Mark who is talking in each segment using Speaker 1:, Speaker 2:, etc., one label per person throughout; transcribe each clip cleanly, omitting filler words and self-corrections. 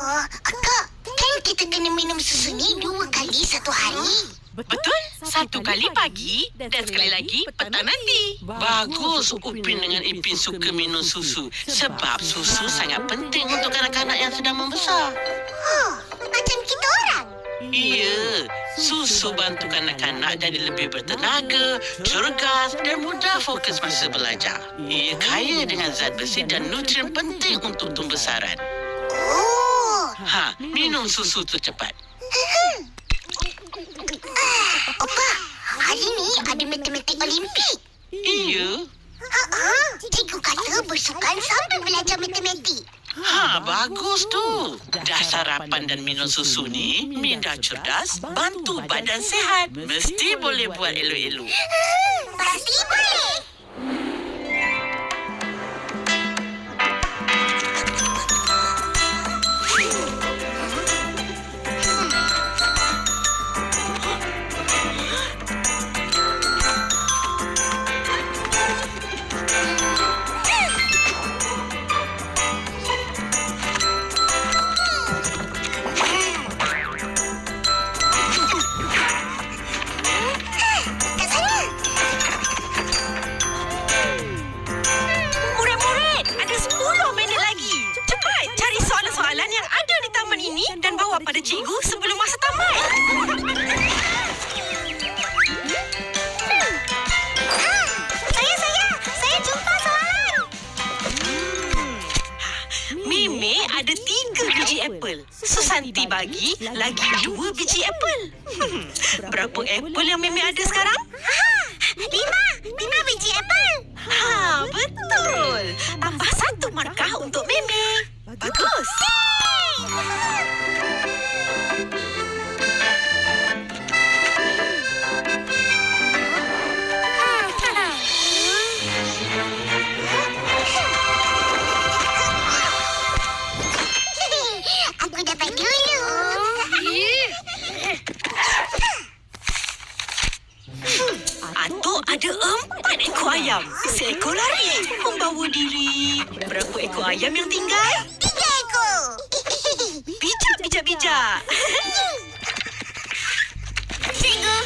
Speaker 1: Akak, kan kita kena minum susu ni 2 kali satu hari.
Speaker 2: Betul, 1 kali pagi dan sekali lagi petang nanti.
Speaker 3: Bagus Upin dengan Ipin suka minum susu. Sebab susu sangat penting untuk kanak-kanak yang sedang membesar.
Speaker 1: Macam kita orang.
Speaker 3: Iya, susu bantu kanak-kanak jadi lebih bertenaga, cergas dan mudah fokus masa belajar. Ia kaya dengan zat besi dan nutrien penting untuk tumbesaran. Minum susu tu cepat.
Speaker 1: Opa, hari ni ada matematik Olimpik.
Speaker 3: Iya.
Speaker 1: Cikgu kata bersukan sambil belajar matematik.
Speaker 3: Bagus tu. Dah sarapan dan minum susu ni, minda cerdas, bantu badan sihat. Mesti boleh buat elok-elok.
Speaker 1: Pasti boleh.
Speaker 2: Pada cikgu sebelum masa tamat.
Speaker 1: Saya jumpa soalan.
Speaker 2: Meme ada 3 biji apple. Susanti bagi lagi 2 biji apple. Berapa apple yang Meme ada sekarang?
Speaker 1: 5 biji apple.
Speaker 2: Betul. Tambah 1 markah untuk Meme. Bagus.
Speaker 1: Aku dapat dulu.
Speaker 2: Atuk ada 4 ekor ayam. Seekor lari membawa diri. Berapa ekor ayam yang tinggal?
Speaker 1: 3 ekor.
Speaker 2: Bijak.
Speaker 1: Cikgu.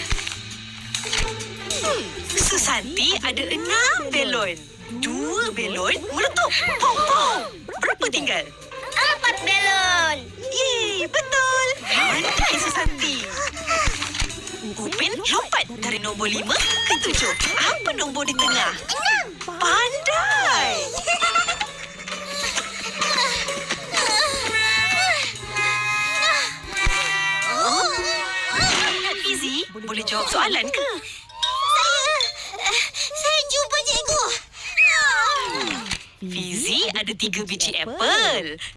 Speaker 2: Susanti ada 6 belon. 2 belon meletup. Pong, pong. Berapa tinggal?
Speaker 1: 4 belon.
Speaker 2: Yeay, betul. Pandai Susanti. Upin lompat dari nombor 5 ke 7. Apa nombor di tengah?
Speaker 1: 6.
Speaker 2: Pandai. Fizi, boleh jawab soalan ke?
Speaker 1: Saya jumpa cikgu.
Speaker 2: Fizi ada 3 biji apple.